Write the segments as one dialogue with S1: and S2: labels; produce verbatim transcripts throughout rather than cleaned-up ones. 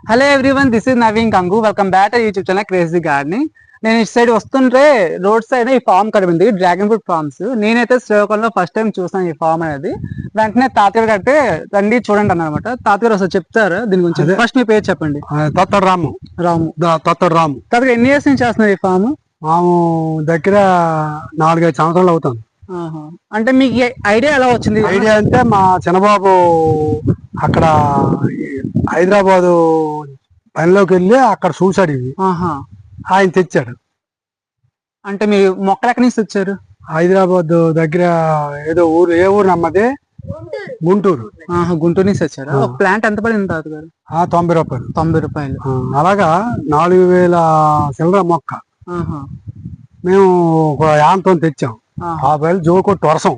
S1: Hello everyone, this is Naveen Kangu. Welcome back to YouTube channel crazy gardening. నేను ఇటు side వస్తుంటే road side ఈ farm కడిపింది, డ్రాగన్ ఫ్రూట్ ఫార్మ్స్. నేనైతే శ్రీకాకుళంలో ఫస్ట్ టైం చూసాను ఈ ఫామ్ అనేది. వెంటనే తాతగారు కట్టే రండి చూడండి అన్నమాట. తాతగారు అసలు చెప్తారా దీని గురించి? ఫస్ట్ మీ పేరు చెప్పండి.
S2: తొత్తడు రాము.
S1: రాము.
S2: తొత్తడు రాము.
S1: తాతగారు ఎన్ని ఇయర్స్ నుంచి చేస్తున్నారు ఈ ఫామ్?
S2: మాము దగ్గర నాలుగైదు సంవత్సరాలు అవుతాను.
S1: అంటే మీకు ఐడియా ఎలా వచ్చింది?
S2: ఐడియా అంటే మా చిన్నబాబు అక్కడ హైదరాబాదు పనిలోకి వెళ్ళి అక్కడ చూసాడు ఇవి, ఆయన తెచ్చాడు.
S1: అంటే మీరు మొక్కలు ఎక్కడి నుంచి తెచ్చారు?
S2: హైదరాబాద్ దగ్గర ఏదో ఊరు, ఏ ఊరు నమ్మది? గుంటూరు.
S1: గుంటూరు నుంచి తెచ్చారు. ప్లాంట్ ఎంత పడింది తాతగారు?
S2: తొంభై రూపాయలు.
S1: తొంభై రూపాయలు
S2: అలాగా నాలుగు వేల చిల్లర మొక్క మేము ఒక యాంతో తెచ్చాం. ఆ వేలు జోకొట్టు వర్షం.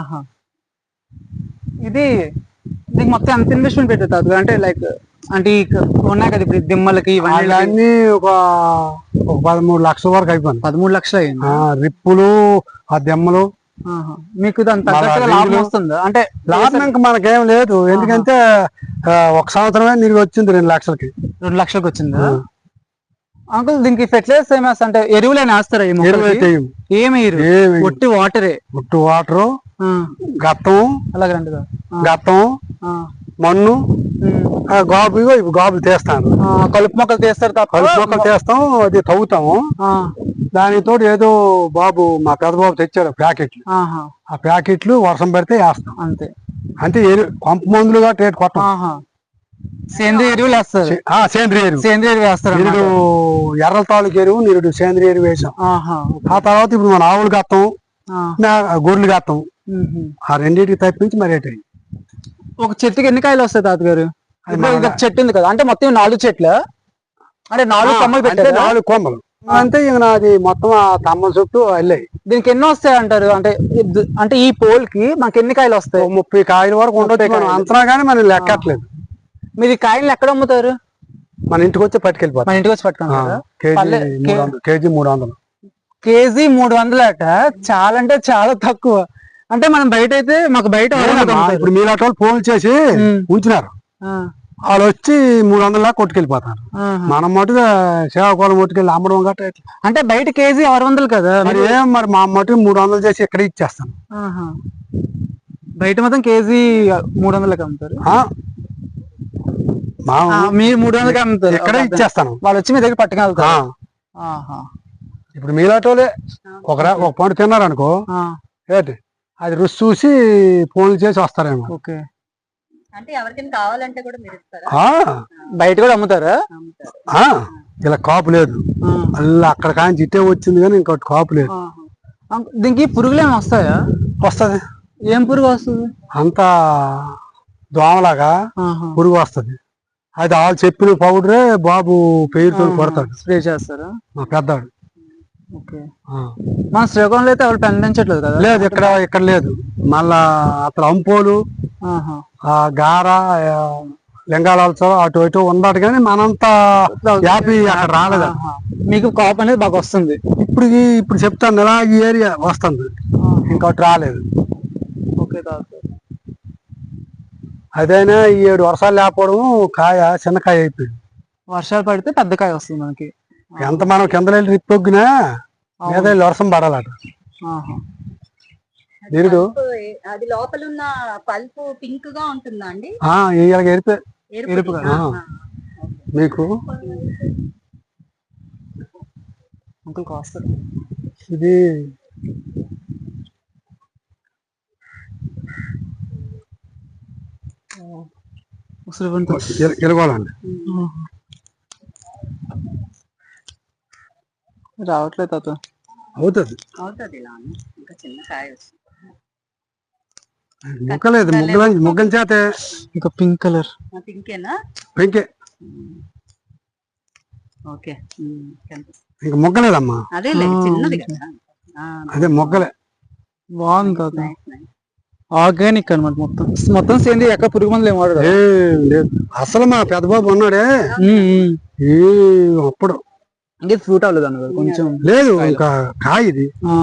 S1: ఇది దీనికి మొత్తం ఎంత ఇన్వెస్ట్మెంట్ పెట్టారు తాతగారు? అంటే లైక్ అంటే ఉన్నాయి కదా ఇప్పుడు దిమ్మలకి
S2: ఇవన్నీ ఒక ఒక పదమూడు లక్షల వరకు అయిపోయింది.
S1: పదమూడు లక్షలు అయింది.
S2: రిప్పులు, ఆ దెమ్మలు.
S1: మీకు దాని తగ్గట్టుగా లాభం వస్తుందా? అంటే
S2: లాభం ఇంకా మనకేం లేదు, ఎందుకంటే ఒక సంవత్సరమే నీకు వచ్చింది రెండు లక్షలకి.
S1: రెండు లక్షలకి వచ్చిందా అంకుల్? దీనికి ఫెర్టిలైజర్స్ ఏమి వేస్తా అంటే ఎరువులైనా వేస్తారా? ఏమి ఒట్టి వాటరే? ఒట్టి వాటరు,
S2: గత్తం,
S1: అలాగండి
S2: గత్తం, మన్ను, గాబు. ఇవి గాబులు తీస్తాను.
S1: కలుపు మొక్కలు తీస్తారు.
S2: కలుపు మొక్కలు తీస్తాం, అది తవ్వుతాము. దానితో ఏదో బాబు మా పెద్ద బాబు తెచ్చాడు ప్యాకెట్లు. ఆ ప్యాకెట్లు వర్షం పడితే వేస్తాం అంతే. అంటే పంపు మందులుగా రేటు కొట్టం.
S1: సేంద్రియ ఎరువులు వేస్తారు.
S2: సేంద్రియ ఎరువు
S1: సేంద్రియ ఎరువు వేస్తారు.
S2: నిరుడు ఎర్రల తాలూకు ఎరువు, నిరుడు సేంద్రియ ఎరువు వేసాం. ఆ తర్వాత ఇప్పుడు మన ఆవులు గత్తం, గొర్రెలు గత్తం, ఆ రెండింటికి తప్పించి మరి రేటు.
S1: ఒక చెట్టుకి ఎన్ని కాయలు వస్తాయి తాతగారు? చెట్టు ఉంది కదా, అంటే మొత్తం నాలుగు చెట్లు, అంటే నాలుగు కొమ్మలు పెట్టారు.
S2: నాలుగు కొమ్మలు అంతే. ఇక నాది మొత్తం ఆ తమ్మల చుట్టూ వెళ్ళాయి.
S1: దీనికి ఎన్ని వస్తాయి అంటారు? అంటే అంటే ఈ పోల్ కి మనకి ఎన్ని కాయలు వస్తాయి?
S2: ముప్పై కాయల వరకు ఉండొచ్చు అంతనా, కానీ మనం లెక్కట్లేదు.
S1: మీరు ఈ కాయలు ఎక్కడ అమ్ముతారు?
S2: మన ఇంటికి వచ్చి పట్టుకెళ్ళిపోతాం.
S1: మన ఇంటికి వచ్చి పట్టుకుంటారా?
S2: కేజీ మూడు వందలు.
S1: కేజీ మూడు వందలు అట, చాలా అంటే చాలా తక్కువ. అంటే మనం బయట అయితే మాకు బయట
S2: ఇప్పుడు మీలాంటి వాళ్ళు ఫోన్ చేసి ఉంచినారు, వాళ్ళు వచ్చి మూడు వందల దాకా కొట్టుకెళ్ళిపోతారు. మనం మటుగా సేవాకోలం కొట్టుకెళ్ళి అమ్మడం గట్రా.
S1: అంటే బయట కేజీ ఆరు వందలు కదా,
S2: మరి ఏం మరి మా మటుకు మూడు వందలు చేసి ఇక్కడ ఇచ్చేస్తాను.
S1: బయట మొత్తం కేజీ మూడు వందలకి అమ్ముతారు, మీరు మూడు వందలకి అమ్ముతారు.
S2: ఇక్కడ ఇచ్చేస్తాను,
S1: వాళ్ళు వచ్చి మీ దగ్గర పట్టుకెళ్తారు.
S2: ఇప్పుడు మీలాంటి వాళ్ళే ఒక ఒక పండు తిన్నారు అనుకో, ఏంటి అది రుచి చూసి ఫోన్లు చేసి వస్తారేమో.
S1: ఓకే.
S3: అంటే ఎవరికైనా కావాలంటే కూడా మీరు ఇస్తారా?
S1: బయట కూడా అమ్ముతారా?
S2: ఇలా కాపు లేదు, అలా అక్కడ కానీ జిట్టే వచ్చింది కానీ ఇంకోటి కాపు లేదు.
S1: దీనికి పురుగులు ఏమి వస్తాయా?
S2: వస్తుంది.
S1: ఏం పురుగు వస్తుంది?
S2: అంతా దోమలాగా పురుగు వస్తుంది. అది వాళ్ళు చెప్పిన పౌడరే బాబు పేరుతో కొడతాడు,
S1: స్ప్రే చేస్తారా?
S2: మా పెద్దాడు.
S1: మన శ్రీకాకుళంలో అయితే ఎవరు పండించట్లేదు కదా?
S2: లేదు, ఇక్కడ ఇక్కడ లేదు. మళ్ళా అక్కడ అంపోలు, ఆ గార, లింగాలతో అటు ఇటు ఉన్నాడు, కానీ మనంతా యాపీ అక్కడ రాలేదు.
S1: మీకు కాపు అనేది బాగా వస్తుంది.
S2: ఇప్పుడు ఇప్పుడు చెప్తాను ఇలా ఈ ఏరియా వస్తుంది, ఇంకోటి రాలేదు.
S1: ఓకే.
S2: అదైనా ఈ ఏడు వర్షాలు లేకపోవడం కాయ చిన్నకాయ అయిపోయింది.
S1: వర్షాలు పడితే పెద్ద కాయ వస్తుంది మనకి.
S2: ఎంత మనం కింద వెళ్ళి రిప్పొగ్గినా మీద వర్షం పడాలట. నిరుడు
S3: అది లోపల ఉన్న పల్పు పింక్ గా ఉంటుందా అండి?
S2: ఎరుపు ఎరుపు మీకు ఇది ఎలుగోలండి.
S1: రావట్లేదు తాత.
S2: అవుతుంది ముగ్గలేదు, ముగ్గల ముగ్గల చేత
S1: ఇంకా పింక్ కలర్.
S3: పింకేనా?
S2: పింకే.
S3: ఓకే.
S2: ఇంకా ముగ్గలేదమ్మా,
S3: అదే చిన్నది కదా,
S2: అదే మొగ్గలే.
S1: బాగుంది తాత, ఆర్గానిక్ అనమాట. మొత్తం మొత్తం సేంద్రియ, ఎక్కడ పురుగు మందులు ఏం వాడరు.
S2: అసలు మా పెద్ద బాబు ఉన్నాడే అప్పుడు
S1: అంటే ఫ్రూట్ అవ్వలేదు అన్న కొంచెం
S2: లేదు, ఇంకా కాయ ఇది.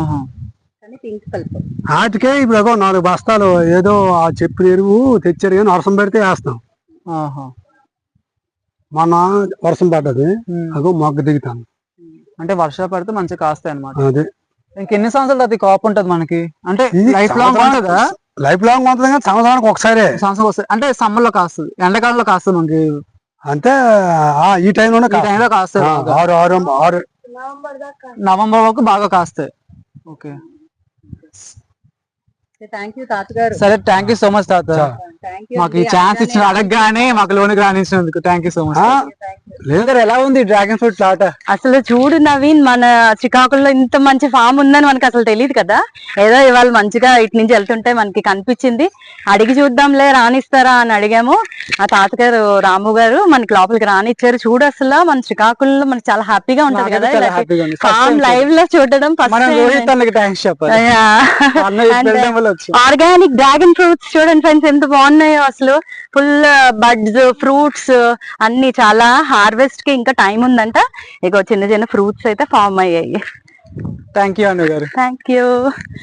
S2: వాటికే ఇప్పుడు ఏదో నాలుగు బస్తాలు ఏదో ఆ చెప్పిన ఎరువు తెచ్చారు కానీ వర్షం పెడితే వేస్తాం. మొన్న వర్షం పడ్డది, అగో మొగ్గ దిగుతాను.
S1: అంటే వర్షాలు పడితే మంచిగా కాస్తాయి అనమాట.
S2: అదే
S1: ఇంకెన్ని సంవత్సరాలు అది కాపు ఉంటది మనకి? అంటే
S2: ఇది
S1: లైఫ్ లాంగ్ ఉంటుందా?
S2: లైఫ్ లాంగ్ ఉంటుంది కానీ సంవత్సరానికి ఒకసారి.
S1: సంవత్సరం వస్తుంది అంటే సమ్మర్ లో కాస్తుంది, ఎండాకాలంలో కాస్తుంది మనకి.
S2: అంటే ఆ ఈ టైంలోనే
S1: ఈ టైంలో కాస్తుంది.
S2: ఆరు ఆరు ఆరు
S1: నవంబర్ వరకు బాగా కాస్తాయి. ఓకే,
S3: థ్యాంక్ యూ తాతగారు.
S1: సరే, థ్యాంక్ యూ సో మచ్ తాత.
S3: థ్యాంక్ యూ
S1: మాకు ఈ ఛాన్స్ ఇచ్చిన అడగగానే మాకు లోన్ రాణించినందుకు థ్యాంక్ యూ సో మచ్. లేదు, ఎలా ఉంది డ్రాగన్ ఫ్రూట్ తోట?
S3: అసలు చూడు నవీన్, మన శ్రీకాకుళంలో ఇంత మంచి ఫామ్ ఉందని మనకి అసలు తెలియదు కదా. ఏదో ఇవాళ మంచిగా ఇటు నుంచి వెళ్తుంటే మనకి కనిపించింది, అడిగి చూద్దాంలే రానిస్తారా అని అడిగాము. ఆ తాతగారు రాము గారు మనకి లోపలికి రానిచ్చారు. చూడు అసలు మన శ్రీకాకుళంలో మనకి చాలా హ్యాపీగా ఉంటది కదా ఫామ్ లైవ్ లో చూడడం. ఆర్గానిక్ డ్రాగన్ ఫ్రూట్స్ చూడండి ఫ్రెండ్స్, ఎంత బాగున్నాయో అసలు. ఫుల్ బడ్స్, ఫ్రూట్స్ అన్ని. చాలా హార్వెస్ట్ కి ఇంకా టైం ఉందంట. ఇక చిన్న చిన్న ఫ్రూట్స్ అయితే ఫామ్ అయ్యాయి.
S1: థ్యాంక్ యూ అన్న గారు.
S3: Thank you.